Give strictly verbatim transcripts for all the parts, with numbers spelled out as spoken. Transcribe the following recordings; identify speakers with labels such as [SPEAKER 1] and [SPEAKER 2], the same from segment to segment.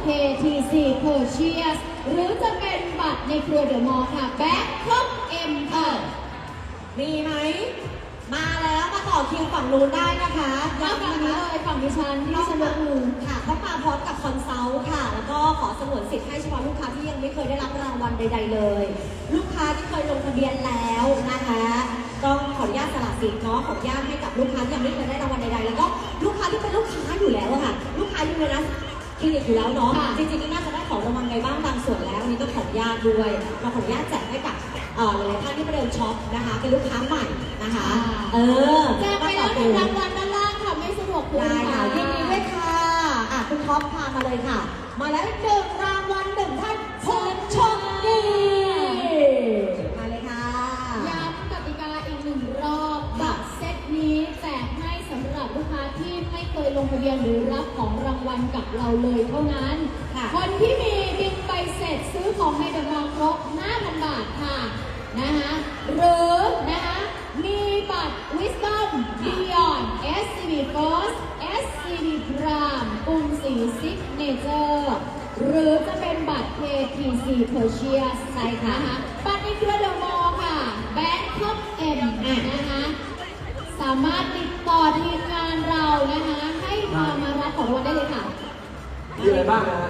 [SPEAKER 1] เค ที ซี Purchase หรือจะเป็นบัตรในเครือเดอะมอลล์ค่ะแบ็คท็อปเอ็มค่ะ
[SPEAKER 2] มีไหมมาแล้วมาต่อคิวฝั่งนู้นได้นะคะ
[SPEAKER 1] แล้วฝั่งนี้เลยฝั่งดิฉันที่ดิฉันยกมือ
[SPEAKER 2] ค่ะเขามาพร้อมกับคอนซัลท์ค่ะแล้วก็ขอสงวนสิทธิ์ให้เฉพาะลูกค้าที่ยังไม่เคยได้รับรางวัลใดๆเลยลูกค้าที่เคยลงทะเบียนแล้วนะคะต้องขออนุญาตสละสิทธิ์เนาะขออนุญาตให้กับลูกค้าที่ยังไม่เคยได้รางวัลใดๆแล้วก็ลูกค้าที่เป็นลูกค้าอยู่แล้วอะค่ะลูกค้าอยู่ในร้านคลินิกอยู่แล้วเนาะจริงๆน่าจะได้ของรางวัลไปบ้างบางส่วนแล้วนี่ต้องขออนุญาตด้วยเราขออนุญาตแจกให้กับหลายๆท่านที่มาเดินช็อปนะคะเป็นลูกค้าใหม่นะคะเออ
[SPEAKER 1] แจกไปแล้วหนึ่งรางวัลด้านล่างค่ะไม่สะดวกคุณ
[SPEAKER 2] ได้ค่ะยินดีด้วยค่ะอ่ะคุณท็อปพามาเลยค่ะมาแล้วหนึ่งรางวัลหนึ่งท่านผู้โชคดีมาเลยค่ะ
[SPEAKER 1] ย้ำกติกาอีกหนึ่งรอบบัตรเซตนี้แจกให้สำหรับลูกค้าที่ไม่เคยลงทะเบียนหรือรับของรางวัลกับเราเลยเท่านั้นคนที่มีบินไปเสร็จซื้อของในเดอะมอลล์ครบ ห้าพัน บาทค่ะนะคะหรือนะคะมีบัตร Wisdom Beyond เอส ซี บี First เอส ซี บี Prime กรุงศรี Signature หรือจะเป็นบัตร เค ที ซี Purchase ใช่ค่ะบัตรในเครือเดอะมอลล์ค่ะ Bangkok M นะคะสามารถติดต่อทีมงานเรานะคะให้มามารับของรางวัลได้เลยค่ะ
[SPEAKER 3] มีอะไรบ้างนะ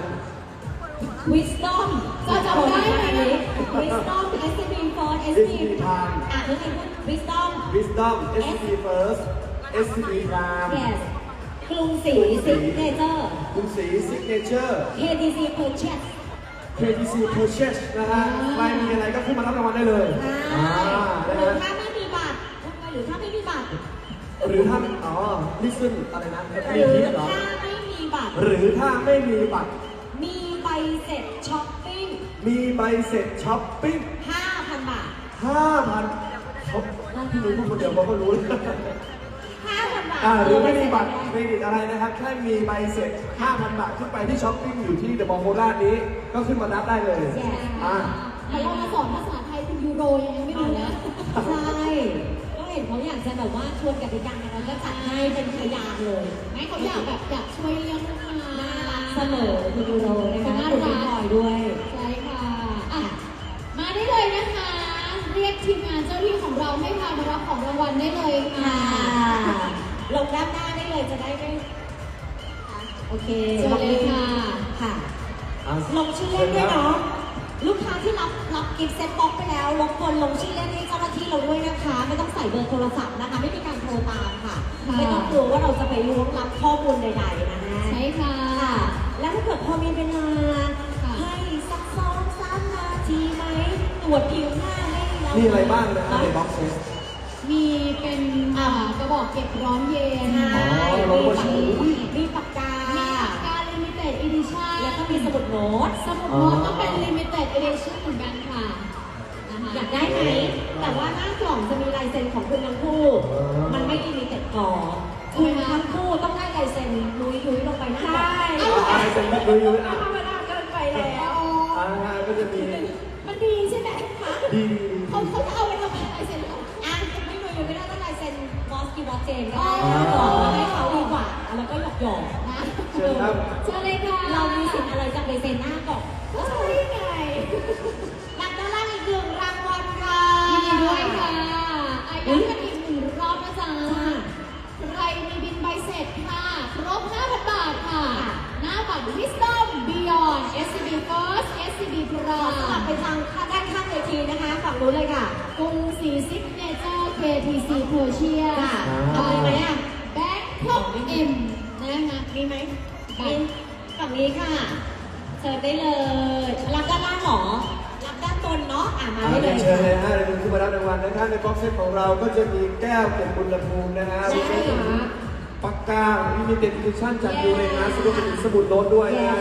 [SPEAKER 2] Wisdom
[SPEAKER 1] จะจำได้ไหม
[SPEAKER 2] Wisdom เอส ซี บี First เอส ซี บี Prime อ่ะนึกถึง Wisdom
[SPEAKER 3] Wisdom เอส ซี บี First เอส ซี บี Prime
[SPEAKER 2] Yes กรุงศรี Signature
[SPEAKER 3] กรุงศรี Signature
[SPEAKER 2] เค ที ซี Purchase
[SPEAKER 3] เค ที ซี Purchase นะฮะใครมีอะไรก็ขึ้นมารับรางวัลได้เลย
[SPEAKER 2] หรือถ้าไม่มีบัตรหรือถ้าไม่มีบัตร
[SPEAKER 3] หรือถ้าอ๋อลิซึนอะไรนะ
[SPEAKER 2] หรือถ้าไม่มีบัตร
[SPEAKER 3] หรือถ้าไม่มีบัตร
[SPEAKER 2] มีใบเสร็จช้อปปิ้ง
[SPEAKER 3] มีใบเสร็จช้อปปิ้ง
[SPEAKER 2] ห้าพัน บาท
[SPEAKER 3] ห้าพันเขานั่งที่รู้พูดคนเดียวเขาก็รู้
[SPEAKER 2] ห้าพัน บาท
[SPEAKER 3] หรือไม่มีบัตรเครดิตอะไรนะครับแค่มีใบเสร็จ ห้าพัน บาทขึ้นไปที่ช้อปปิ้งอยู่ที่เดอะมอลล์โคราชนี้ก็ขึ้นมานับได้เลย
[SPEAKER 1] อ่าแต่เรามาสอนภาษาไทยคุณยูโรยังไม่รู้นะ
[SPEAKER 2] ใช่ก็เห็นเขาอยากจะแบบว่าชวนกติกาเราก็จัดให้เป็นพยานเลย
[SPEAKER 1] ไม่เขาอยากแบบอยากช่วยเลี้ยงลูกค้า
[SPEAKER 2] น่ารักเสมอคุณยูโรนะคะน่ารักด้วย
[SPEAKER 1] ใช่ค่ะอ่ะมาได้เลยนะคะเรียกทีมงานเจ้าที่ของเราให้พามารับของรางวัลได้เลยค่ะ
[SPEAKER 2] ลงด้านหน้าได้เลยจะได้ไม่โอเค
[SPEAKER 1] เชิญเลยค่ะ
[SPEAKER 2] ค่ะลงชื่อเล่นด้วยเนาะลูกค้าที่รับรับกิฟต์เซ็ตบ็อกไปแล้วรบกวนลงชื่อเล่นให้เจ้าหน้าที่เราด้วยนะคะไม่ต้องใส่เบอร์โทรศัพท์นะคะไม่มีการโทรตามค่ะไม่ต้องกลัวว่าเราจะไปล้วงลับข้อมูลใดๆนะฮะ
[SPEAKER 1] ใช่ค่ะ
[SPEAKER 2] แล้วถ้าเกิดพอมีเวลาให้สักสองสามนาทีไหมตรวจผิวหน้าให้เรา
[SPEAKER 3] มีอะไรบ้างนะในบ็อกซ์เซต
[SPEAKER 1] มีเป็นกระบอกเก็บร้อนเย็น
[SPEAKER 2] มีปากกา
[SPEAKER 1] มีปากกา Limited Edition
[SPEAKER 2] แล้วก็มีสมุดโน้ต
[SPEAKER 1] สมุดโน้ตก็เป็น Limited Edition เหมือนกันค่ะ
[SPEAKER 2] อยากได้ไหมแต่ว่าหน้ากล่องจะมีลายเซ็นของคุณทั้งคู่มันไม่ Limited ก่อคุณทั้งคู่ต้องได้ลายเซ็นนุ้ยนุ้ยลงไปหน้าใช่
[SPEAKER 3] ลายเซ็นนุ้ยนุ้ยอ่ะ
[SPEAKER 2] ธรรมดาเกินไปแล้ว
[SPEAKER 3] อ่าก็จะมี
[SPEAKER 1] มันดีใช่ไหมคะ
[SPEAKER 3] ดี
[SPEAKER 1] เขาเขาจะเอาไปทำอะไรลายเซ็นหรอ
[SPEAKER 2] อ่ะไม่นุ้ยยังไม่ได้ต้องลายเซ็นบอสกีวอสเจนก็ได้ให้เขาดีกว่าแล้วก็หยอกหยอก
[SPEAKER 1] นะ
[SPEAKER 3] เชิญครับ
[SPEAKER 1] เชิญเลยค่ะ
[SPEAKER 2] เรามีสิทธิ์อะไรจะไปเซ็นหน้าก่อน
[SPEAKER 1] ก็ใช่ไง
[SPEAKER 2] รับด้านล่างอีกหนึ่งรางวัลค่ะ
[SPEAKER 1] ยินดีด้วยค่ะอายุกันอีกหนึ่งรอบนะจ๊ะใครมีบินใบเสร็จค่ะครบ ห้าพัน บาทค่ะหน้าบัตร Wisdom Beyond เอส ซี บี First เอส ซี บี Prime
[SPEAKER 2] กลับไปทางด้านข้างเวทีนะคะฝั่งนู้นเลยค่ะ
[SPEAKER 1] กรุงศรี Signature เค ที ซี Purchase
[SPEAKER 2] เอาไปไหมอ่ะ
[SPEAKER 1] Bangkok M นะคะ
[SPEAKER 2] มีไหมมีฝั่งนี้ค่ะเชิญได้เลยรับด้านล่างหรอรับด้านบนเนาะอ่ะมาได้เลย
[SPEAKER 3] เชิญเลยฮะเดี๋ยวคุณขึ้นมารับรางวัลนะครับในบ็อกเซตของเราก็จะมีแก้วเก็บอุณหภูมินะฮะ
[SPEAKER 2] ใช่ค่ะ
[SPEAKER 3] ปากกามีเต็ดดิชั่นจากยูเรนัสรวมถึงสมุดโน้ตด้วยนะ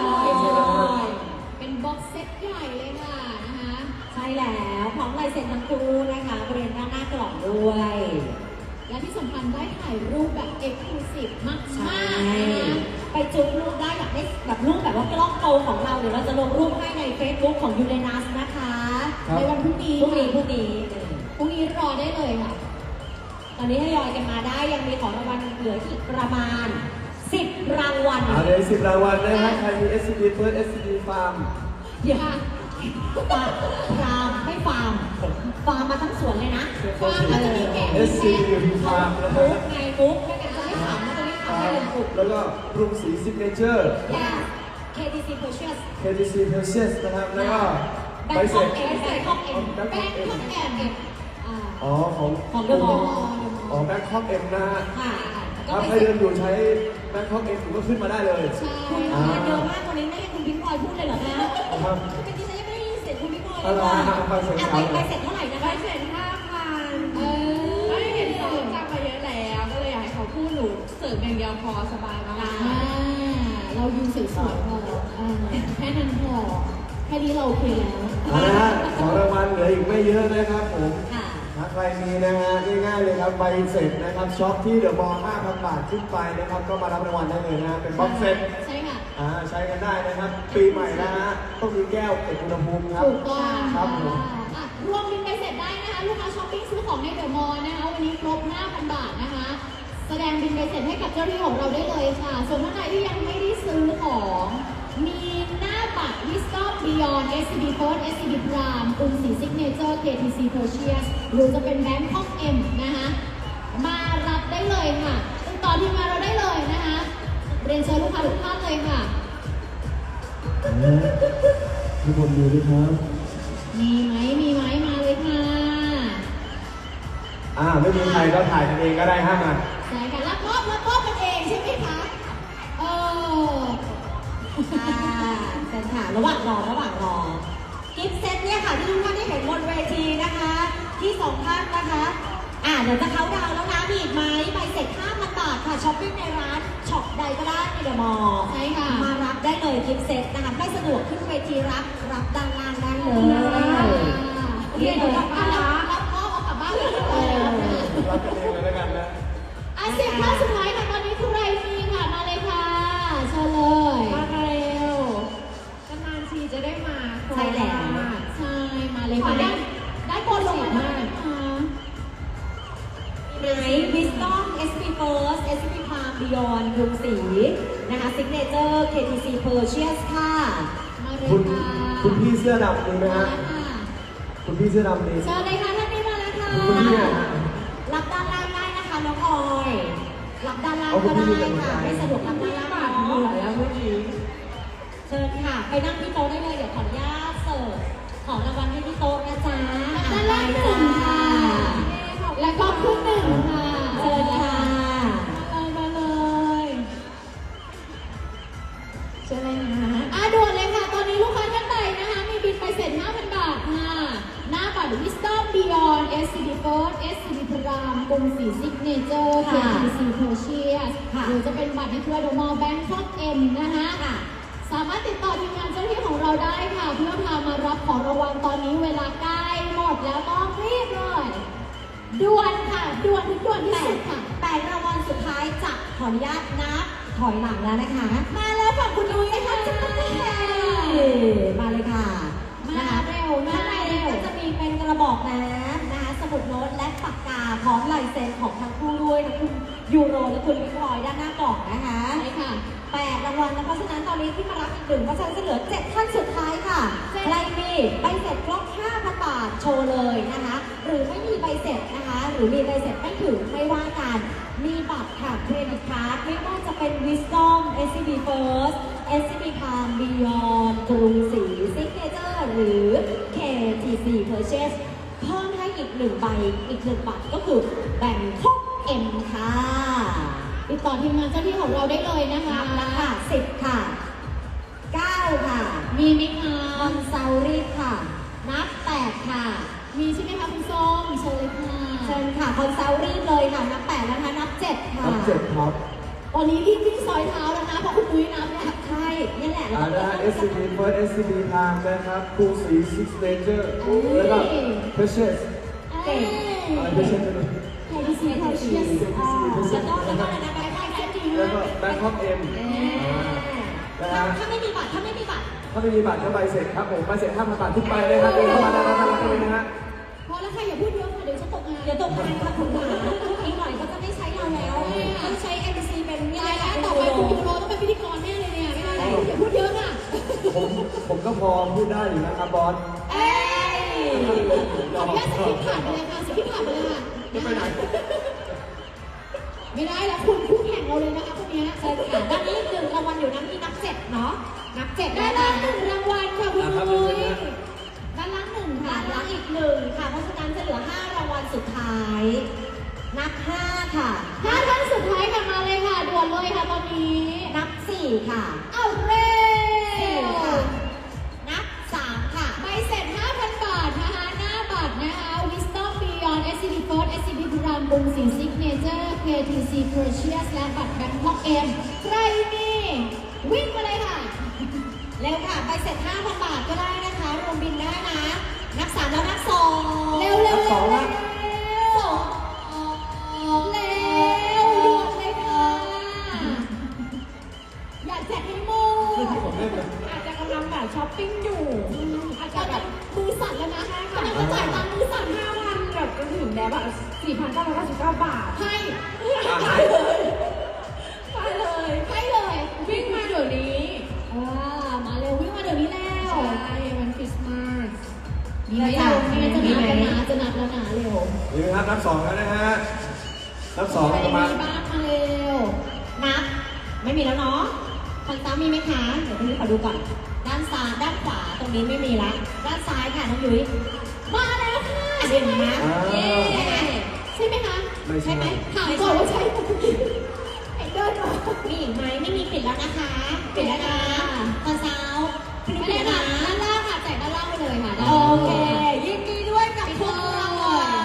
[SPEAKER 1] เป็นบ็อกเซตใหญ่เลยค่ะนะคะ
[SPEAKER 2] ใช่แล้วพร้อมลายเซ็นทั้งคู่นะคะบริเวณด้านหน้ากล่องด้วย
[SPEAKER 1] และที่สำคัญได้ถ่ายรูปแบบเอกลูซีฟมากๆนะ
[SPEAKER 2] ไปจุ๊บรูปได้อยากได้แบบรูปแบบว่ากล้องโตของเราเดี๋ยวเราจะลงรูปให้ใน Facebook ของยูเรนัสนะคะ
[SPEAKER 1] ในวันพรุ่งนี้
[SPEAKER 2] พรุ่งนี้พรุ่งนี้
[SPEAKER 1] พรุ่งนี้รอได้เลยค่ะ
[SPEAKER 2] ตอนนี้ทยอยกันมาได้ยังมีของรางวัลเหลืออีกประมาณสิบรางวัล
[SPEAKER 3] เอาเลยสิบรางวัลนะครับใครมี เอส ซี บี First เอส ซี บี Farm
[SPEAKER 2] เดี๋ยวค่ะฟาร์มฟาร์มไม่ฟาร์มฟาร์มมาทั้งสวนเลยนะ
[SPEAKER 1] ฟาร์มเราจะมีแกะ
[SPEAKER 3] เอส ซี บี Farm นะครั
[SPEAKER 2] มุ
[SPEAKER 3] บ
[SPEAKER 2] กไงมุกไม่งั้นจะไม่ขำนะจะไม่ขำให้เลยมุก
[SPEAKER 3] แล้วก็กรุงศรีซิกเนเจอร์
[SPEAKER 2] ยา เค ที ซี Purchase
[SPEAKER 3] เค ที ซี Precious นะครับ แล้วก็ใบเสร็
[SPEAKER 2] Bangkok
[SPEAKER 3] จ
[SPEAKER 2] M Bangkok M
[SPEAKER 3] แบง
[SPEAKER 1] แป้
[SPEAKER 3] ค
[SPEAKER 1] ง
[SPEAKER 3] อกเอ็
[SPEAKER 1] ข้าว
[SPEAKER 3] ม
[SPEAKER 1] แกงอ่า
[SPEAKER 3] อ๋อของ
[SPEAKER 2] ของ The Mall
[SPEAKER 3] อ๋อแบงคอกเอ็มนะฮะ
[SPEAKER 2] ค่ะ
[SPEAKER 3] ถ้าใครเดินอยู่ใช้แบงคอกเอ็มก็ขึ้นมาได้เลย
[SPEAKER 1] ใช่
[SPEAKER 2] คุณทานเยอะมากวันนี้ไม่ให้คุณพิงพลอยพูดเลยเหรอคะ
[SPEAKER 3] ครับ
[SPEAKER 2] คือเป็นที่ฉันยังไม่ได้ยินเสียงคุณพิงพลอย
[SPEAKER 3] เอา
[SPEAKER 2] เลย
[SPEAKER 3] ล่ะ
[SPEAKER 2] ว่า
[SPEAKER 3] เอาไปเสร็จ
[SPEAKER 2] อ่ะ
[SPEAKER 3] เอา
[SPEAKER 2] ไป
[SPEAKER 3] เลย
[SPEAKER 2] ไปเสร็จเท่าไหร่นะ
[SPEAKER 4] ไป
[SPEAKER 2] คะ
[SPEAKER 4] เสร็จห้าพัน
[SPEAKER 1] เออ
[SPEAKER 4] ไม่เห็นเขาจำมาเยอะแล้ว ก็เลยอยากให้เขาพูดหนูเสิร์ฟอย่างเดียวพอสบายมาก
[SPEAKER 1] อ่าเรายืนสวยๆพออ่าแค่นั้นพอแค่นี้เราโอเคแล้ว
[SPEAKER 3] เอาละฮะของรางวัลเหลืออีกไม่เยอะนะครับผม
[SPEAKER 2] ค่ะ
[SPEAKER 3] ถ้าใครมีนะฮะง่ายๆเลยครับใบเสร็จนะครับช็อปที่เดอะมอลล์ ห้าพัน บาทขึ้นไปนะครับก็มารับรางวัลได้เลยนะฮะเป็นบ็อกเซ็ต
[SPEAKER 1] ใช่ค่ะ
[SPEAKER 3] อ่าใช้กันได้นะครับ ปีใหม่นะฮะต้องมีแก้วเก็บอุณหภูมิครับ
[SPEAKER 1] ถูกต้อง
[SPEAKER 3] ครับผม
[SPEAKER 1] อ่ะรวมบินไปเสร็จได้นะคะ ลูกค้าช้อปปิ้งซื้อของในเดอะมอลล์นะคะ วันนี้ครบ ห้าพัน บาทนะคะ แสดงบินไปเสร็จให้กับเจ้าหน้าที่ของเราได้เลยค่ะ ส่วนท่านใดที่ยังไม่ได้ซื้อของ มีหน้าบัตร Wisdom Beyond เอส ซี บี First เอส ซี บี Prime กรุงศรี Signature เค ที ซี Purchase หรือจะเป็น Bangkok M นะคะ มารับได้เลยค่ะติดต่อทีมงานเราได้เลยนะคะ เรียนเชิญลูกค้าทุกท่านเลยค่ะ
[SPEAKER 3] ทุกคนดูด้วยครับ
[SPEAKER 1] มีไหมมีไหมมาเลยค่ะ
[SPEAKER 3] อ่าไม่มีใครก็ถ่ายกันเองก็ได้ห้ามา
[SPEAKER 1] ใช่ค่ะรับมอบรับมอบกันเองใช่ไหมคะเออ
[SPEAKER 2] อ่าเชิญค่ะระหว่างรอระหว่างรอกิฟต์เซตเนี่ยค่ะที่ทุกท่านได้เห็นบนเวทีนะคะ ที่สองท่านนะคะ อ่าเดี๋ยวจะเขาน์ดาวน์แล้วนะมีอีกไหมใบเสร็จ ห้าพัน บาทค่ะช้อปปิ้งในร้านช็อปใดก็ได้ในเดอะมอลล์
[SPEAKER 1] ใช่ค่ะ
[SPEAKER 2] มารับได้เลยกิฟต์เซตนะคะไม่สะดวกขึ้นเวทีรับรับด้านล่างได้เลย
[SPEAKER 1] โอเคเดี๋ยวรับรับรับมอบเอากลับบ้านเลย
[SPEAKER 3] รับกันเองเลยแล้วกันนะ
[SPEAKER 1] อ่ะสิบท่านสุดท้ายค่ะตอนนี้ใครมีค่ะมาเลยค่ะเชิญเลย
[SPEAKER 4] มาเร็วนานๆทีจะได้มา
[SPEAKER 2] ใช่แล้ว
[SPEAKER 1] ใช่มาเลยค่ะได้ได้โปรลงมาได้นะคะ
[SPEAKER 2] ไหน Wisdom เอส พี First เอส พี Prime Beyond กรุงศรีนะคะ Signature เค ที ซี Purchase ค่ะ
[SPEAKER 1] มาเลย
[SPEAKER 3] คุณ
[SPEAKER 1] ค่ะ
[SPEAKER 3] คุณพี่เสื้อดำมีไหม
[SPEAKER 1] มา
[SPEAKER 3] ฮะ
[SPEAKER 1] ค่ะ
[SPEAKER 3] คุณพี่เสื้อดำมี
[SPEAKER 1] เชิญเลยค่ะท่านนี้มาแล้วค่ะ
[SPEAKER 3] คุณพี่เนี่ยฮะ
[SPEAKER 2] รับด้านล่างได้นะคะน้องออย รับด้านล่างก็ได้ค่ะไม่สะดวกรับด้านล่าง
[SPEAKER 4] บาทเห
[SPEAKER 2] เนา
[SPEAKER 4] นื่อยแล้ว
[SPEAKER 2] ะ
[SPEAKER 4] เมื่อกี้
[SPEAKER 2] เชิญค่ะ ไปนั่งที่โต๊ะได้เลย เดี๋ยวขออนุญาตเสิร์ฟของรางวัลให้ที่โต๊ะนะจ๊ะ
[SPEAKER 1] ด้านล่างหนึ่งค่ะ แล้วก็ครึ่งหนึ่งค่ะ
[SPEAKER 2] เชิญค่ะ
[SPEAKER 1] มาเลย เชิญเลยนะอ่ะด่วนเลยค่ะ ตอนนี้ลูกค้าท่านใดนะคะ มีบินไปเสร็จ ห้าพัน บาทค่ะ หน้าบัตร Wisdom Beyond เอส ซี บี First เอส ซี บี Prime กรุงศรี Signature เค
[SPEAKER 2] ค่ะ
[SPEAKER 1] ที ซี Purchase
[SPEAKER 2] ค่ะ
[SPEAKER 1] หรือจะเป็นบัตรในเครือ The Mall Bangkok M นะคะ
[SPEAKER 2] ค่ะ
[SPEAKER 1] สามารถติดต่อทีมงานเจ้าหน้าที่ของเราได้ค่ะ เพื่อพามารับของรางวัลตอนนี้เวลาใกล้หมดแล้วต้องรีบเลยด่วนค่ะด่วนถึงด่วนที่
[SPEAKER 2] แป
[SPEAKER 1] สุ
[SPEAKER 2] ด
[SPEAKER 1] ดค่ะ
[SPEAKER 2] แปดรางวัลสุดท้ายจะขออนุญาตนับถอยหลังแล้วนะคะ มาแล้วฝั่งคุณนุ้ยค่ะจะมามาเลยค่ะ
[SPEAKER 1] มา
[SPEAKER 2] นะคะ
[SPEAKER 1] เร็วมา
[SPEAKER 2] ข้างใน
[SPEAKER 1] เร็ว
[SPEAKER 2] ก็จะมีเป็นกระบอกน้ำนะคะสมุดโน้ตและปากกาพร้อมลายเซ็นของทั้งคู่ด้วยทั้งคุณยูโรและคุณวิคอยด้านหน้ากล่องนะคะ
[SPEAKER 1] ใช่ค่ะ
[SPEAKER 2] แปดรางวัลนะเพราะฉะนั้นตอนนี้ที่มารับอีกหนึ่งเพราะฉะนั้นจะเหลือเจ็ดท่านสุดท้ายค่ะ
[SPEAKER 1] เจ็ด
[SPEAKER 2] ใครมีใบเสร็จครบห้าพัน บาทโชว์เลยนะคะ หรือไม่มีใบเสร็จนะคะ หรือมีใบเสร็จไม่ถึงไม่ว่ากัน มีบัตรค่ะเครดิตการ์ดไม่ว่าจะเป็น Wisdom เอส ซี บี First เอส ซี บี Prime Beyond กรุงศรี Signature หรือ เค ที ซี Purchase เพิ่มให้อีกหนึ่งใบอีกหนึ่งบัตรก็คือแบ่งครบ M ค่ะ
[SPEAKER 1] ติดต่อทีมงานเจ้าหน้าที่ของเราได้เลยนะคะ
[SPEAKER 2] นับแล้วค่ะสิบค่ะเก้าค่ะ
[SPEAKER 1] มีไหมคะ
[SPEAKER 2] คอนซัลรีค่ะ นับแปดค่ะ
[SPEAKER 1] มีใช่ไหมคะคุณส้มเชิญเลยค่ะ
[SPEAKER 2] เชิญค่ะ คอนซัลรีเลยค่ะ นับแปดแล้วนะคะนับเจ็ดค่ะ
[SPEAKER 3] รับเจ็ดครับ
[SPEAKER 1] ตอนนี้รีบวิ่งซอยเท้าแล้วนะเพราะคุณนุ้ยนับเนี่ย
[SPEAKER 2] ใช่นี่แหละ
[SPEAKER 3] อ่านะ เอส ซี บี First เอส ซี บี Prime นะครับกรุงศรี Signature แล้วก็ Precious
[SPEAKER 1] เก่ง
[SPEAKER 3] อะไร Precious นะ
[SPEAKER 1] ใครที่ซีเขาเชียร์
[SPEAKER 2] อ่าแล้วก็แล้วก็อะไรนะแบงค์ไทยแบงค์จริง
[SPEAKER 3] แล้วก็ Bangkok M นะ
[SPEAKER 2] ถ้า
[SPEAKER 3] ฮะ
[SPEAKER 2] ถ้าไม่มีบัตรถ้าไม่มีบัตร
[SPEAKER 3] ถ้าไม่มีบัตรก็ใบเสร็จครับผมใบเสร็จ ห้าพัน บาททุกใบเลยครับเดินเข้ามาได้รับรางวัลเลยนะฮะ
[SPEAKER 1] พอแล้วค่ะอย่าพูดเยอะค่ะเดี๋ยวฉันตกงาน
[SPEAKER 2] เดี๋ยวตกงานค่ะคุณหมาอีกหน่อยก็จะไม่ใช้เราแล้วต้องใช้ เอ็ม ซี เป็นนี่
[SPEAKER 1] ตาย
[SPEAKER 2] ค่ะ
[SPEAKER 1] แล้ว
[SPEAKER 2] เป็น
[SPEAKER 1] ต่อ
[SPEAKER 2] ยู
[SPEAKER 1] ไป
[SPEAKER 2] โร
[SPEAKER 1] คุณยูโรต้องเป็นพิธีกรแน่เลยเนี่ยไม่ได้อย่าพูดเยอะค่ะ
[SPEAKER 3] ผมผมก็พอพูดได้อยู่นะครับบอส
[SPEAKER 2] เอ้ย
[SPEAKER 1] ขออนุญาตสกิปผ่านไปเลยค่ะสกิปผ่านไปเลยค่ะ
[SPEAKER 3] จะไปไหน
[SPEAKER 1] ไม่ได้แล้วคุณคู่แข่งเราเลยนะคะคนนี้
[SPEAKER 2] เชิญค่ะด้านนี้หนึ่งรางวัลอยู่นะมีนับเจ็ดเนาะนับเจ็ด
[SPEAKER 1] ด้า
[SPEAKER 2] ได้
[SPEAKER 1] น
[SPEAKER 2] แล้
[SPEAKER 1] ล่าว งหนึ่งรางวัลค่ะคุณ
[SPEAKER 3] อ่ะครับ
[SPEAKER 1] นุ้ย
[SPEAKER 3] เชิญนะ
[SPEAKER 1] ด้านล่างหนึ่งค่ะ
[SPEAKER 2] ด้านล่างอีกหนึ่งค่ะเพราะฉะนั้นจะเหลือห้ารางวัลสุดท้าย นับห้าค่ะ
[SPEAKER 1] ห้าท่านสุดท้ายค่ะมาเลยค่ะด่วนเลยค่ะตอนนี้
[SPEAKER 2] นับสี่ค่ะ
[SPEAKER 1] เอาเร็
[SPEAKER 2] สี่
[SPEAKER 1] ว
[SPEAKER 2] ค่ะ นับสามค่ะ
[SPEAKER 1] ใบเสร็จ ห้าพัน บาทนะคะหน้าบัตรนะคะ Wisdom Beyond เอส ซี บี First เอส ซี บี พรามบุงสิน Signature เค ที ซี Precious และบัตร Bangkok M ใครมีวิ่งมาเลยค่ะ
[SPEAKER 2] เร็วค่ะใบเสร็จห้าพันบาทก็ได้นะคะ รวมบินได้นะ นับสามแล้วนับสอง
[SPEAKER 1] เร็วเร็ว
[SPEAKER 3] ส
[SPEAKER 1] เร็
[SPEAKER 3] อ
[SPEAKER 1] ว
[SPEAKER 3] ง
[SPEAKER 1] เร็
[SPEAKER 3] นะ
[SPEAKER 1] วเร็วด่วนเลยค่ะ อยากแจกให้หมด
[SPEAKER 3] ผมเล่นเลย
[SPEAKER 4] อาจจะกำลังแบบช้อปปิ้งอยู่ อาจ
[SPEAKER 1] ต
[SPEAKER 4] จะ
[SPEAKER 1] อน
[SPEAKER 4] แบ
[SPEAKER 1] นั้น
[SPEAKER 4] บ
[SPEAKER 1] มือสั่นแล้วนะกำลังจะจ่ายตังค์มือสั่น
[SPEAKER 4] ห้าพันแบบจนถึงแล้วแบบสี่พันเก้าร้อยเก้าสิบเก้าบาท
[SPEAKER 1] ให้
[SPEAKER 4] ไปเลยไปเลย
[SPEAKER 1] ให้เลย
[SPEAKER 4] วิ่งมาเดี๋ยวนี้
[SPEAKER 1] อ่ามาเร็ววิ่งมาเดี๋ยวนี้แล้ว
[SPEAKER 4] ใช่วันคริสต์มาส
[SPEAKER 1] มีไหมเรามีไหมจะนัดแล้วนะจะนัดแล้วนะเร็ว
[SPEAKER 3] นี่นะครับนับสองแล้วนะฮะนับสอง
[SPEAKER 1] ใคร
[SPEAKER 3] ประมาณ
[SPEAKER 1] มีบ้างมาเร็ว
[SPEAKER 2] นับ ไม่มีแล้วเนาะคนตามมีไหมคะ เดี๋ยวพี่ขอดูก่อน ด้านซ้าย ด้านขวาตรงนี้ไม่มีละ ด้านซ้ายค่ะน้องยุ้ย
[SPEAKER 1] มาแล้วค่ะ
[SPEAKER 2] อ่ะ
[SPEAKER 1] ใช่
[SPEAKER 2] เดี๋ยว
[SPEAKER 1] ไหม
[SPEAKER 2] นะ
[SPEAKER 3] อ่า
[SPEAKER 2] เย้ใช่ไหม
[SPEAKER 1] ใช่ไหมคะ
[SPEAKER 3] ไม่
[SPEAKER 2] ใช่
[SPEAKER 3] ใช่
[SPEAKER 2] ไหม
[SPEAKER 1] ถามก่อนว่าใช่ไหมไอ้เดินมา
[SPEAKER 2] มีอีกไหมไม่มีปิดแล้วนะคะ ปิดแล้วนะตอนเช้าปิด
[SPEAKER 1] ไม่
[SPEAKER 2] ปิ
[SPEAKER 1] ได้
[SPEAKER 2] ดแล้ว
[SPEAKER 1] ค่ะ
[SPEAKER 2] นะ
[SPEAKER 1] ด้านล่างค่ะแจกด้านล่างไปเลยค่ะด้าน
[SPEAKER 2] โอ
[SPEAKER 1] ล่าง
[SPEAKER 2] เค ยินดีด้วยกับทุกรางวัล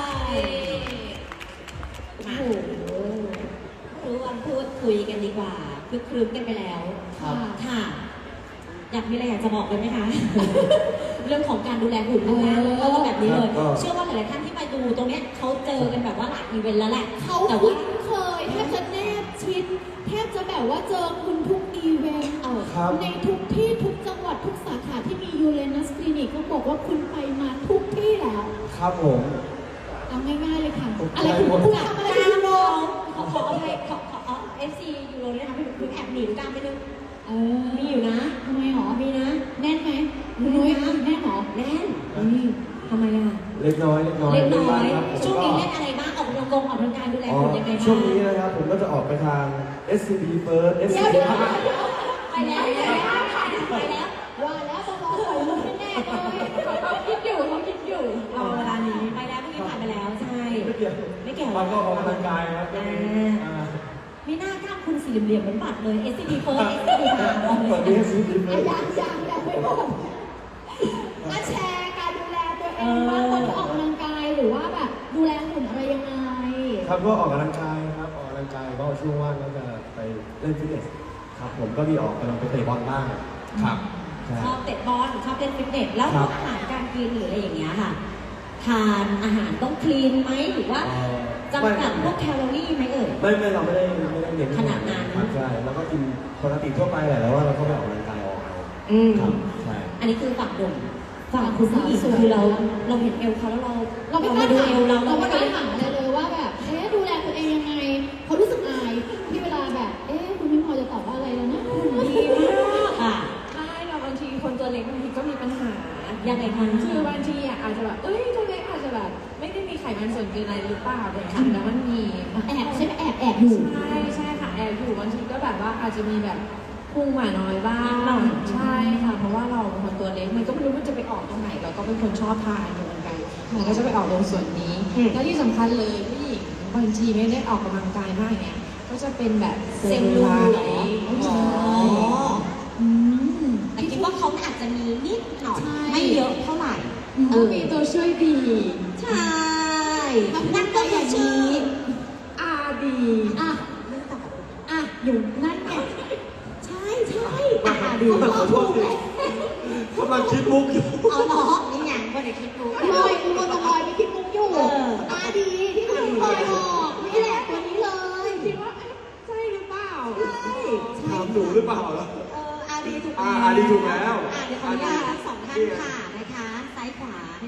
[SPEAKER 1] โอ้
[SPEAKER 2] มา
[SPEAKER 1] โห
[SPEAKER 2] รู้วันพูดคุยกันดีกว่าคึกครื้นกันไปแล้ว
[SPEAKER 1] ค่ะ
[SPEAKER 2] ค่ะ อยากมีอะไรอยากจะบอกเลยไหมคะ เรื่องของการดูแลหุ่นนะคะ
[SPEAKER 1] เออ
[SPEAKER 2] ก็ต้องแบบนี้เลย
[SPEAKER 3] ครับก็
[SPEAKER 2] เชื่อว่าหลายๆท่านที่ไปดูตรงเนี้ยเขาเจอกันแบบว่าหลายอีเวนต์แล้วแหละ
[SPEAKER 1] เขา
[SPEAKER 2] แต่
[SPEAKER 1] คุ้
[SPEAKER 2] ว่า
[SPEAKER 1] นเคยแทบจะแนบชิดแทบจะแบบว่าเจอคุณทุกอีเวนต์
[SPEAKER 2] เออ
[SPEAKER 3] ครับ
[SPEAKER 1] ในทุกที่ทุกจังหวัดทุกสาขาที่มียูเรนัสคลินิกก็บอกว่าคุณไปมาทุกที่แล้ว
[SPEAKER 3] ครับผม
[SPEAKER 1] เอาง่ายๆเลยค่ะ
[SPEAKER 3] ผม
[SPEAKER 1] อะไรคุณ
[SPEAKER 3] ผม
[SPEAKER 1] คุณทำอะไร
[SPEAKER 2] ก
[SPEAKER 1] คุณ
[SPEAKER 2] ล้าม
[SPEAKER 1] ยูโร
[SPEAKER 2] ลงขอขออภัยขอขอขอเอฟซียูโรด้วยนะคะพี่พี่แอบหนีกล้ามไปนึง
[SPEAKER 1] เออ
[SPEAKER 2] มีอยู่นะ
[SPEAKER 1] ทำไมหรอ
[SPEAKER 2] มีนะ
[SPEAKER 1] แน่นไหมคุณนุ้ยแน่นหรอ
[SPEAKER 2] แน่น
[SPEAKER 1] อุ้ย
[SPEAKER 2] ทำไมอ่ะ
[SPEAKER 3] เล็กน้อยเล็กน้อย
[SPEAKER 2] เล็กน้อ
[SPEAKER 3] บ้าง
[SPEAKER 2] ย
[SPEAKER 3] ครับผม
[SPEAKER 2] ช่วง
[SPEAKER 3] ก็
[SPEAKER 2] นี้เล่นอะไรบ้างออกกำลังกงออกกำลังกายดูแล
[SPEAKER 3] อ๋อ
[SPEAKER 2] หุ่นยังไงบ้าง
[SPEAKER 3] ช่วงนี้นะครับผมก็จะออกไปทาง เอส ซี บี First เอส ซี
[SPEAKER 1] เดี๋ยว
[SPEAKER 3] บี
[SPEAKER 1] เดี๋ยวเดี๋ยว
[SPEAKER 2] ไปแล้วไปแล้วไปแล้ว
[SPEAKER 1] ว่าแล้วต้องรอใส่ลูกแน่ๆเลย
[SPEAKER 4] เขาคิดอยู่เขาคิดอยู่
[SPEAKER 2] รอเวลานี้ไปแล้วเมื่อกี้ผ่านไปแล้วใช่
[SPEAKER 3] ไม่เกี่ยว
[SPEAKER 2] ไม่เกี่ยว
[SPEAKER 3] มันก็ออกกำลังกายครับ
[SPEAKER 2] อ่า
[SPEAKER 3] อ่า
[SPEAKER 2] มีหน้ากล้ามคุณสี่เหลี่ยมๆเหมือนบัตรเลย เอส ซี บี First เอส ซี บี Prime เอา
[SPEAKER 3] ตอน
[SPEAKER 2] เล
[SPEAKER 3] นี้
[SPEAKER 2] ย
[SPEAKER 3] เอส ซี บี
[SPEAKER 1] อ่ะ
[SPEAKER 3] First
[SPEAKER 1] ยังยังยังไม่หมดมาแชร์การดูแลตัวเองบ้างคนที่ออกกำลังกายหรือว่าแบบดูแลหุ่นอะไรยังไง
[SPEAKER 3] ครับก็ออกกำลังกายครับออกกำลังกายก็ช่วงว่างก็จะไปเล่นฟิตเนสครับผมก็มีออกกำลังไปเตะบอลบ้างครับใช่
[SPEAKER 2] ชอบเตะบอลชอบเล่นฟิตเนสแล้ว
[SPEAKER 3] ครับ
[SPEAKER 2] อาหารการกินหรืออะไรอย่างเงี้ยค่ะ ทานอาหารต้องคลีนไหมหรือว่า
[SPEAKER 3] เอ่อ
[SPEAKER 2] จำกัดพวกแคลอรี่ไหมเอ่ย
[SPEAKER 3] ไม่ไม่เราไม่ได้ไม่ได้เน้น
[SPEAKER 2] ขนาดนั้น
[SPEAKER 3] ครับใช่แล้วก็กินปกติทั่วไปแหละแล้วว่าเราก็ไปออกกำลังกายออกเอา
[SPEAKER 2] อืม
[SPEAKER 3] ครับใช่
[SPEAKER 2] อันนี้คือฝั่งหนุ่มฝั่งคุณผู้หญิงคือเราเราเห็นเอวเขาแล้วเรา
[SPEAKER 1] เราไม่ก
[SPEAKER 2] มา
[SPEAKER 1] ล้า
[SPEAKER 2] ดู
[SPEAKER 1] ถาม
[SPEAKER 2] เอวเรา
[SPEAKER 1] เรา
[SPEAKER 2] เรา
[SPEAKER 1] ไม่
[SPEAKER 2] ก็
[SPEAKER 1] ก
[SPEAKER 2] เล
[SPEAKER 1] ล้าย ถามเลยเลยว่าแบบเอ๊ะดูแลตัวเองยังไงเขารู้สึกอายที่เวลาแบบเอ๊ะคุณพี่พอจะตอบว่าอะไรแล้วนะ
[SPEAKER 2] ดีมากอ่ะ
[SPEAKER 4] ใช่เราบางทีคนตัวเล็กบางทีก็มีปัญหา
[SPEAKER 2] ยังไงคะ
[SPEAKER 4] คือบางทีอ่ะอาจจะแบบ เอ้ยตัวเล็กอาจจะแบบไม่ได้มีไขมันส่วนเกินอะไรหรือเปล่าแต่จริงๆแล้วมันมี
[SPEAKER 1] แอบใช่ไหมแอบแอบอยู่
[SPEAKER 4] ใช่ใช่ค่ะแอบอยู่บางทีก็แบบว่าอาจจะมีแบบพุงหมาน้อยบ้าง
[SPEAKER 2] หน่อย
[SPEAKER 4] ใช่ค่ะเพราะว่าเราเป็นคนตัวเล็กมันก็ไม่รู้มันจะไปออกตรงไหนเราก็เป็นคนชอบทานอยู่เหมือนกันมันก็จะไปออกตรงส่วนนี้แล้วที่สำคัญเลยผู้หญิงบางทีไม่ได้ออกกำลังกายมากเนี่ยก็จะเป็นแบบ
[SPEAKER 2] เซลลูไลท์
[SPEAKER 4] อ๋อ
[SPEAKER 1] อืม
[SPEAKER 2] แต่คิดว่าเขาอาจจะมีนิดหน่อย
[SPEAKER 1] ใช่
[SPEAKER 2] ไม่เยอะเท่าไหร่
[SPEAKER 4] ก็มีตัวช่วยดี
[SPEAKER 2] ใช่นั่นก็คือชื่อ
[SPEAKER 4] อาดี
[SPEAKER 1] อ่ะอ่ะอยู่นั่นไงใช่ใช่อ่ะดี
[SPEAKER 3] ขอโทษทีกำลังคิดมุกอยู่
[SPEAKER 2] เอาเนาะนี่ไงก็ได้คิดดู
[SPEAKER 1] ลอยคุณโมตลอยไปคิดมุกอยู่
[SPEAKER 2] เออ
[SPEAKER 1] อาดีที่คุณคอยบอกนี่แหละตัวนี้เลย
[SPEAKER 4] คิดว่าเอ๊ะใช่หรือเปล่า
[SPEAKER 2] ใช่
[SPEAKER 3] ถามหนูหรือเปล่าล่ะ
[SPEAKER 2] เอออาดีถูก
[SPEAKER 3] อ่าอาดีถูกแล้ว
[SPEAKER 2] อ่ะเดี๋ยวขออนุญาตทั้งสองท่านค่ะนะคะ ซ้ายขวาให้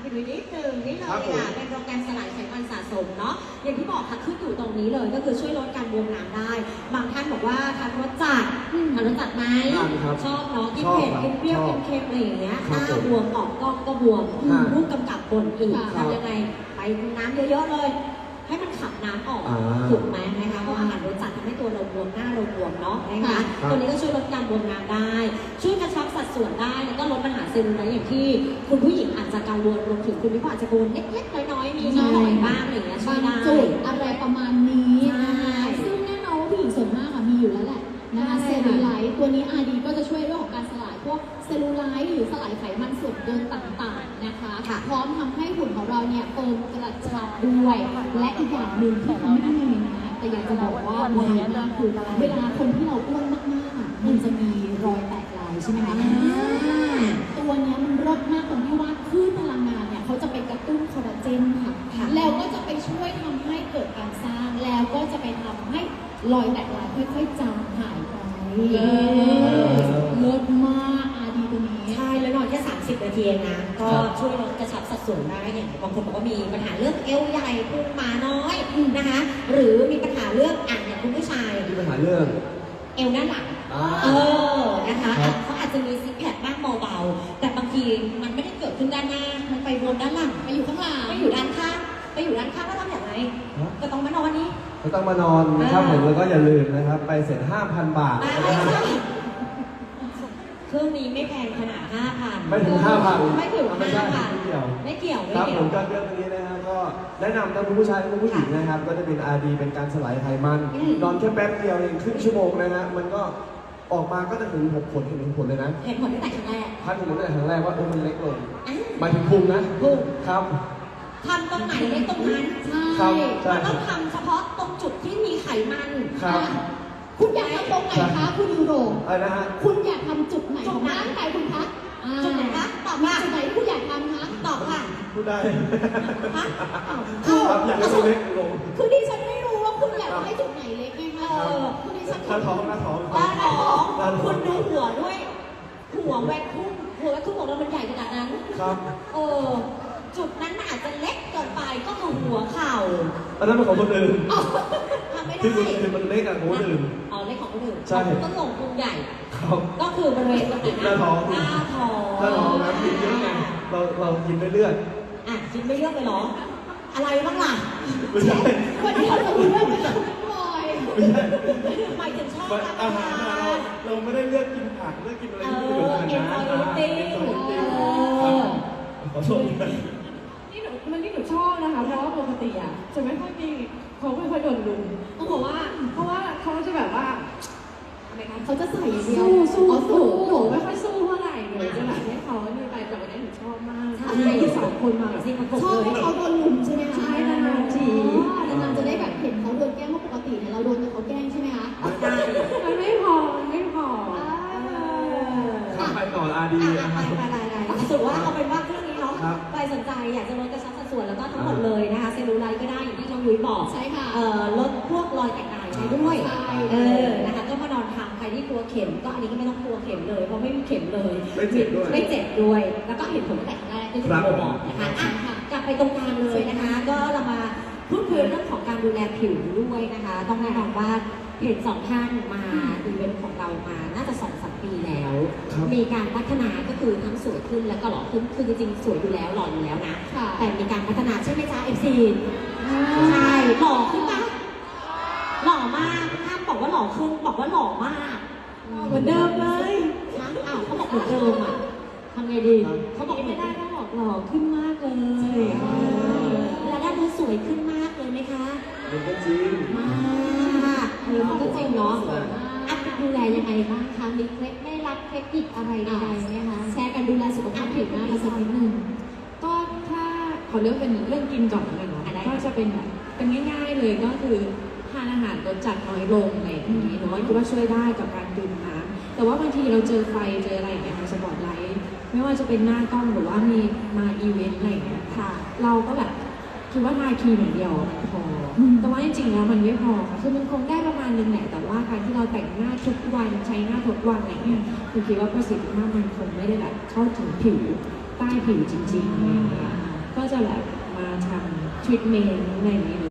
[SPEAKER 2] ไปดูนิดนึงนี่เลย
[SPEAKER 3] ครับผม
[SPEAKER 2] ค่ะเป็นโปรแกรมสลายไขมันสะสมเนาะอย่างที่บอกค่ะขึ้นอยู่ตรงนี้เลยก็คือช่วยลดการบวมน้ำได้ บางท่านบอกว่าทานรสจัดทานรสจัดไหม
[SPEAKER 3] ทานครับ
[SPEAKER 2] ชอบเนาะกิน
[SPEAKER 3] ชอบ
[SPEAKER 2] เผ็ด
[SPEAKER 3] ครับ
[SPEAKER 2] กินเปรี้ยว
[SPEAKER 3] ชอบ
[SPEAKER 2] กินเค็มอะไรอย่างเงี้ยห
[SPEAKER 3] ครับ
[SPEAKER 2] น้า
[SPEAKER 3] ผม
[SPEAKER 2] บวมออกกล้องก็บวม
[SPEAKER 3] ครับ
[SPEAKER 2] รูปกำกับบนอีก
[SPEAKER 3] ครับ
[SPEAKER 2] ทำยังไงไปน้ำเยอะๆเลย ให้มันขับน้ำออก
[SPEAKER 3] อ่า
[SPEAKER 2] ถูกไหมนะคะเพราะอาหารรสจัดทำให้ตัวเราบวมหน้าเราบวมเนาะนะคะ
[SPEAKER 3] ครับ
[SPEAKER 2] ตัวนี้ก็ช่วยลดการบวมน้ำได้ ช่วยกระชับสัดส่วนได้แล้วก็ลดปัญหาเซลลูไลท์อย่างที่คุณผู้หญิงอาจจะกังวลรวมถึงคุณพี่ผู้อาจจะกังวลเล็กๆน้อยๆมีนิดหน่อยบ้างอะไรอย่างเงี้ยช่ว
[SPEAKER 1] บาย ง
[SPEAKER 2] ได้
[SPEAKER 1] จุดอะไรประมาณนี้นะคะ
[SPEAKER 2] ใช่
[SPEAKER 1] ซึ่งแน่นอนว่าผู้หญิงส่วนมากอะมีอยู่แล้วแหละนะคะ
[SPEAKER 2] ใช่
[SPEAKER 1] เซลลูไลท์ตัวนี้ อาร์ ดี ก็จะช่วยเรื่องของการสลายพวกเซลลูไลท์หรือสลายไขมันส่วนเกินต่างๆนะคะ
[SPEAKER 2] ค่ะ
[SPEAKER 1] พร้อมทำให้หุ่นของเราเนี่ยเฟิร์มกระชับด้วย และอีกอย่างหนึ่งที่เขาไม่ได้มีนะแต่อยากจะบอกว่าไวมากคือเวลาคนที่เราอ้วนมากๆอะมันจะมีรอยแตกลายใช่ไหมคะ ตัวเนี้ยมันรสมากตรงที่ว่าคลื่นพลังงานเนี่ยเขาจะไปกระตุ้นคอลลาเจนค่ะ
[SPEAKER 2] ค่ะ
[SPEAKER 1] แล้วก็จะไปช่วยทำให้เกิดการสร้าง แล้วก็จะไปทำให้รอยแตกลายค่อยๆจางหายไป
[SPEAKER 2] เออ
[SPEAKER 1] รสมากอาดีตัวนี้
[SPEAKER 2] ใช่แล้วนอนแค่ สามสิบ นาทีเองนะ ก็
[SPEAKER 3] ครับ
[SPEAKER 2] ช่วยลดกระชับสัดส่วนได้อย่างบางคนบอกว่ามีปัญหาเรื่องเอวใหญ่พุงมาน้อยนะคะ หรือมีปัญหาเรื่องอ่างอย่างคุณผู้ชาย
[SPEAKER 3] มีปัญหาเรื่อง
[SPEAKER 2] เอวหน้าหลัง
[SPEAKER 3] อ่า
[SPEAKER 2] เออ นะคะ
[SPEAKER 3] ครับ
[SPEAKER 2] เขาอาจจะมีซิกแพคบ้างเบาๆ แต่บางทีมันไม่ได้เกิดขึ้นด้านหน้า มันไปบนด้านหลัง
[SPEAKER 1] ไปอยู่ข้างหลัง
[SPEAKER 2] ไปอยู่ด้านข้าง ไปอยู่ด้านข้างแล้วทำอย่างไร ก็ต้องมานอนนี้
[SPEAKER 3] ก็ต้องมานอนนะครับ
[SPEAKER 2] อ่า
[SPEAKER 3] ผมแล้วก็อย่าลืมนะครับ ไปเสร็จ ห้าพัน บาท
[SPEAKER 2] ไม่
[SPEAKER 3] นะค
[SPEAKER 2] ใช่
[SPEAKER 3] รับ
[SPEAKER 2] เครื่องนี้ไม่แพงขนาด ห้าพัน
[SPEAKER 3] ไม่ถึง ห้าพัน
[SPEAKER 2] ไม่ถึง
[SPEAKER 3] ไม่ใช่
[SPEAKER 2] ห้าพัน
[SPEAKER 3] ไม่เกี่ยว
[SPEAKER 2] ไม่เกี่ยว ไม่
[SPEAKER 3] ครับ
[SPEAKER 2] เกี่ย
[SPEAKER 3] ผ
[SPEAKER 2] ว
[SPEAKER 3] มก็เรื่องนี้นะฮะก็แนะนำทั้งคุณผู้ชายและคุณผู้หญิงนะครับ ก็จะเป็น อาร์ ดี เป็นการสลายไขมัน
[SPEAKER 2] อืม
[SPEAKER 3] นอนแค่แป๊บเดียวเองครึ่งชั่วโมงนะฮะมันก็ออกมาก็จะถึงหกผลเห็นผลเลยนะ
[SPEAKER 2] เห็นผลตั้งแต่ครั้งแรก
[SPEAKER 3] ท่านผมตั้งแต่ครั้งแรกว่าเออมันเล็กลง
[SPEAKER 2] อ่ะ
[SPEAKER 3] หมายถึงพุงนะ
[SPEAKER 2] พุง
[SPEAKER 3] ครับ
[SPEAKER 2] ทำตรงไหนได้ตรงนั้น
[SPEAKER 1] ใช่
[SPEAKER 3] ครับใช่
[SPEAKER 2] มันต้องทำเฉพาะตรงจุดที่มีไขมัน
[SPEAKER 3] ครับ
[SPEAKER 1] คุณอยากทำตรงไหนคะคุณยูโร
[SPEAKER 3] อะไรนะฮะ
[SPEAKER 1] คุณอยากทำจุดไหนของร่างกายคุณคะอ่า
[SPEAKER 2] จุดไหนคะตอบ
[SPEAKER 1] มี
[SPEAKER 2] ว่า
[SPEAKER 1] จุดไหนที่คุณอยากทำคะ
[SPEAKER 2] ตอบค่ะ
[SPEAKER 3] พูดได้
[SPEAKER 2] ฮะ
[SPEAKER 3] ครับอยากให้มันเล็กลง
[SPEAKER 1] คือดิฉันไม่รู้ว่าคุณอยากจะให้จุดไหนเล็กไงคะ
[SPEAKER 2] เออ
[SPEAKER 1] คือดิฉัน
[SPEAKER 3] หน้าท้องหน้าท้อง
[SPEAKER 2] ด้านท้อง
[SPEAKER 3] ด้านท้
[SPEAKER 2] คุ
[SPEAKER 3] อง
[SPEAKER 2] ณดูหัวด้วย หัวแหวนคุ้มหัวแหวนคุ้มของเรามันใหญ่ขนาดนั้น
[SPEAKER 3] ครับ
[SPEAKER 2] เออ จุดนั้นมันอาจจะเล็กเกินไปก็คือหัวเข่า
[SPEAKER 3] อันนั้นเป็นของคนอื่น
[SPEAKER 2] ทำไม่ได้
[SPEAKER 3] ที่คุณคือมันเล็กอะของคนอื่น
[SPEAKER 2] เอาเล็กของคนอื่น
[SPEAKER 3] ใช่
[SPEAKER 2] ต้นหลงพุงใหญ่
[SPEAKER 3] ครับ
[SPEAKER 2] ก็คือบริเวณตรงไหนนะ
[SPEAKER 3] หน้าท้อง
[SPEAKER 2] หน้าท้อง
[SPEAKER 3] ถ้าเราน้ำกินเยอะไงเราเรากินไปเรื่อย
[SPEAKER 2] อ่ะกินไม่เลือกเลยเหรอ อะไรบ้างล่ะ
[SPEAKER 3] ไม่ใช่
[SPEAKER 1] วันนี้เราจะรู้เรื่องอะไรบ่อย
[SPEAKER 3] ไม่ใช่
[SPEAKER 2] หมายถึงชอบ
[SPEAKER 3] มัน
[SPEAKER 2] รับ
[SPEAKER 3] อา
[SPEAKER 2] ประ
[SPEAKER 3] หาร
[SPEAKER 2] ทา
[SPEAKER 3] อะเรา
[SPEAKER 2] น
[SPEAKER 3] เราไม่ได้เลือกกินผักเลือกกินอะไร
[SPEAKER 2] เอ
[SPEAKER 3] ที่ไม่เหมือน
[SPEAKER 2] อ
[SPEAKER 3] กันนะ
[SPEAKER 2] enjoy eating
[SPEAKER 3] อ่า enjoy eating ครับขอโทษด้วย
[SPEAKER 4] นี่หนูมันนี่หนูชอบนะคะ เพราะว่าปกติอ่ะจะไม่ค่อยมีเขาไม่ค่อยโดนลุมต้องบอกว่า เพราะว่าเขาจะแบบว่าอะไรนะ
[SPEAKER 1] เขาจะใส่อย่างเดียว
[SPEAKER 4] สู้สู้
[SPEAKER 1] อ๋อ
[SPEAKER 4] สู้
[SPEAKER 1] สู้
[SPEAKER 4] หนูไม่ค่อยสู้เท่าไหร่หนูจะแบบให้เขานี่ไปแต่วันนี้หนูชอบมาก
[SPEAKER 2] ใช่
[SPEAKER 4] ที่สองคนมาแบบ
[SPEAKER 2] จริงมัน
[SPEAKER 1] ชอบให้เขาโดนลุมใช่ไหมคะ
[SPEAKER 4] ใช่นานๆที
[SPEAKER 1] อ๋อนานๆจะได้แบบเห็นเขาโดนแกล้งเพราะปกติเนี่ยเราโดนแต่เขาแกล้งใช่ไหมคะ
[SPEAKER 2] ได้
[SPEAKER 4] มันไม่พอมันไม่พอ
[SPEAKER 3] ครับไปต่ออาดี
[SPEAKER 2] อ่ะ
[SPEAKER 3] นะค
[SPEAKER 2] ไป
[SPEAKER 3] รับ
[SPEAKER 2] ไปไปไปสรุปว่าเอาเป็นว่าเครื่องนี้เนาะ
[SPEAKER 3] ครับ
[SPEAKER 2] ใครสนใจอยากจะลดกระชับสัดส่วนแล้วก็ทั้งหมดเลยนะคะเซลลูไลท์ก็ได้อย่างที่น้องยุ้ยบอก
[SPEAKER 1] ใช่ค่ะ
[SPEAKER 2] เอ่อลดพวกรอยแตกลายได้ด้วย
[SPEAKER 1] ใช่
[SPEAKER 2] เออนะคะก็มานอนทำใครที่กลัวเข็มก็อันนี้ก็ไม่ต้องกลัวเข็มเลยเพราะไม่มีเข็มเลย
[SPEAKER 3] ไม่เจ็บด้วย
[SPEAKER 2] ไม่เจ็บด้วย แล้วก็เห็นผลตั้งแต่ครั้งแรกที่คุณ
[SPEAKER 3] ครับ
[SPEAKER 2] โบบอกนะคะอ่ะกลับไปตรงกลางเลยนะคะ ก็เรามาพูดคุยเรื่องของการดูแลผิวด้วยนะคะ ต้องแน่นอนว่าเห็นสองท่านมาอีเวนต์ของเรามาน่าจะสองสามปีแล้ว
[SPEAKER 3] ครับ
[SPEAKER 2] มีการพัฒนาก็คือทั้งสวยขึ้นแล้วก็หล่อขึ้นคือจริงๆสวยอยู่แล้วหล่ออยู่แล้วนะ
[SPEAKER 1] ค่ะ
[SPEAKER 2] แต่มีการพัฒนาใช่ไหมจ๊ะเอฟซีใช่หล่อขึ้นปะหล่อมากห้ามบอกว่าหล่อขึ้นบอกว่าหล่อมากเหมือนเดิมเลยนะอ้าวเขาบอกเหมือนเดิมอ่ะทำไงดีเขาบอกไม่ได้ต้องบอกหล่อขึ้นมากเลยแล้วด้านดูสวยขึ้นมากเลยไหมคะ
[SPEAKER 3] มันก็จริง
[SPEAKER 2] มากเออมันก็จริงเนาะ
[SPEAKER 1] สวยมาก
[SPEAKER 2] อัพดูแลยังไงบ้างคะมีเคล็ดไม่รับเทคนิคอะไรใดๆไหมคะแชร์กันดูแลสุขภาพผิวหน้ามาสักนิดนึง
[SPEAKER 4] ก็ถ้าขอเลือกเป็นเรื่องกินก่อนเลยเนาะ
[SPEAKER 2] อ่ะได้
[SPEAKER 4] ก็จะเป็นแบบเป็นง่ายๆเลยก็คือทานอาหารรสจัดน้อยลงอะไรอย่างนี้หนูว่าคิดว่าช่วยได้กับการดื่มน้ำแต่ว่าบางทีเราเจอไฟเจออะไรอย่างเงี้ยค่ะสปอตไลท์ไม่ว่าจะเป็นหน้ากล้องหรือว่ามีมาอีเวนต์อะไรอย่างเงี้ยค่ะ เราก็แบบคิดว่าทาครีมอย่างเดียวพออ
[SPEAKER 1] ม
[SPEAKER 4] แต่ว่าจริงๆแล้วมันไม่พอค่ะคือมันคงได้ประมาณนึงแหละแต่ว่าการที่เราแต่งหน้าทุกวันใช้หน้าทุกวันอะไรเงี้ยหนูคิดว่าประสิทธิภาพมันคงไม่ได้แบบเข้าถึงผิวใต้ผิวจริงๆอะไรอย่างเงี้ยก็จะแบบมาทำทรีทเมนต์อะไรอย่างนี้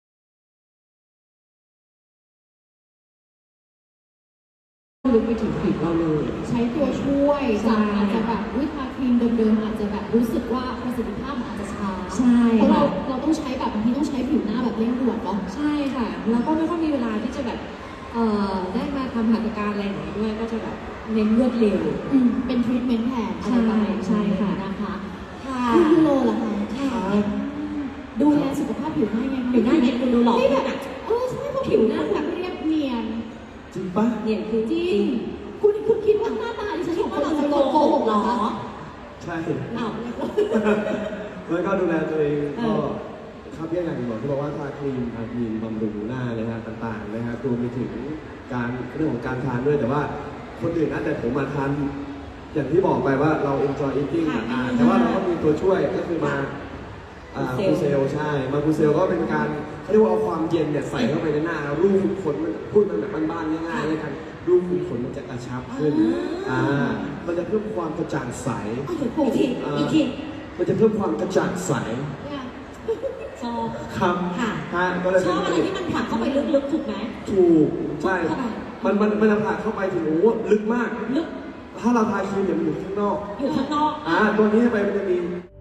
[SPEAKER 4] ลึกไปถึงผิวเราเลย
[SPEAKER 1] ใช้ตัวช่วย
[SPEAKER 4] ใช่
[SPEAKER 1] จากอาจจะแบบวิทาครีมเดิมๆอาจจะแบบรู้สึกว่าประสิทธิภาพมันอาจจะช้า
[SPEAKER 4] ใช่
[SPEAKER 1] เพราะเรา
[SPEAKER 4] ค่ะ
[SPEAKER 1] เราต้องใช้แบบบางทีต้องใช้ผิวหน้าแบบเร่งด่วนเนาะ
[SPEAKER 4] ใช่ค่ะ แล้วก็ไม่ค่อยมีเวลาที่จะแบบเอ่อได้มาทำหัตถการอะไรอย่างนี้ด้วยก็จะแบบเน้นรวดเร็ว
[SPEAKER 1] อืมเป็นทรีทเมนต์แทนอะไรประมาณนี้
[SPEAKER 4] ใช่ค่ะ
[SPEAKER 1] นะคะ
[SPEAKER 2] ค่ะ
[SPEAKER 1] คุณยูโรล่ะคะ
[SPEAKER 2] ค่ะ
[SPEAKER 1] ดูแลสุขภาพผิวหน้ายังไง
[SPEAKER 2] ผิวหน้าเนี่ยคุณดูหล่อ
[SPEAKER 1] ไม่
[SPEAKER 2] ขึ้
[SPEAKER 1] แบ
[SPEAKER 2] น
[SPEAKER 1] บ
[SPEAKER 2] อ่ะ
[SPEAKER 1] เออใช่เพราะผิวหน้าแบบเรียบเนียน
[SPEAKER 3] จริงปะ
[SPEAKER 2] เนี่ยคือ
[SPEAKER 1] จริง คุณคุณคิดว่าหน้าตาดิฉัน
[SPEAKER 2] คิดว่าเราจะ
[SPEAKER 1] โก
[SPEAKER 2] โก
[SPEAKER 1] ห
[SPEAKER 2] ห
[SPEAKER 1] ก
[SPEAKER 2] ก
[SPEAKER 1] เห
[SPEAKER 2] เห
[SPEAKER 1] ร
[SPEAKER 2] ร
[SPEAKER 1] อ
[SPEAKER 2] อ
[SPEAKER 1] คะ
[SPEAKER 3] ใช่
[SPEAKER 2] อ้าว
[SPEAKER 3] แล้วก็ดูแลตัวเอง
[SPEAKER 2] เอ
[SPEAKER 3] ก็
[SPEAKER 2] อ
[SPEAKER 3] ครับเรียกอย่างที่บอกที่บอกว่าทาครีมทาครีมบำรุงหน้านะฮะต่างๆนะครับรวมไปถึงการเรื่องของการทานด้วยแต่ว่าคนอื่นนะแต่ผมมาทานอย่างที่บอกไปว่าเรา enjoy eating
[SPEAKER 2] ค่ะ
[SPEAKER 3] อ่าแต่ว่าเราก็มีตัวช่วยก็คือมาอ่า
[SPEAKER 2] คู
[SPEAKER 3] คู
[SPEAKER 2] เซ
[SPEAKER 3] เซ
[SPEAKER 2] ล
[SPEAKER 3] ลใช่มาคูเซลก็เป็นการเขาเรียกว่าเอาความเย็นเนี่ยใส่เข้าไปในหน้ารูขุมขนมันพูดมันแบบบ้านๆง่ายๆเลยกันรูขุมขนมันจะกระชับขึ้นอ่ามันจะเพิ่มความกระจ่างใส
[SPEAKER 2] อีกทีอีกที
[SPEAKER 3] มันจะเพิ่มความกระจ่างใส
[SPEAKER 1] เนี่ย
[SPEAKER 2] ชอบ
[SPEAKER 3] ครับ
[SPEAKER 2] ค่ะ
[SPEAKER 3] ฮะก็เลย
[SPEAKER 2] ช
[SPEAKER 3] เป็น
[SPEAKER 2] อบอะไรที่มันผลักเข้าไปลึกๆถูกไหม
[SPEAKER 3] ถูกใช่
[SPEAKER 2] เข้าไป
[SPEAKER 3] มันมันมันผ่านเข้าไปถึงโอ้โหลึกมาก
[SPEAKER 2] ลึก
[SPEAKER 3] ถ้าเราทาครีมเนี่ยมันอยู่ข้างนอก
[SPEAKER 2] อยู่ข้างนอก
[SPEAKER 3] อ่าตัวนี้ไปมันจะมี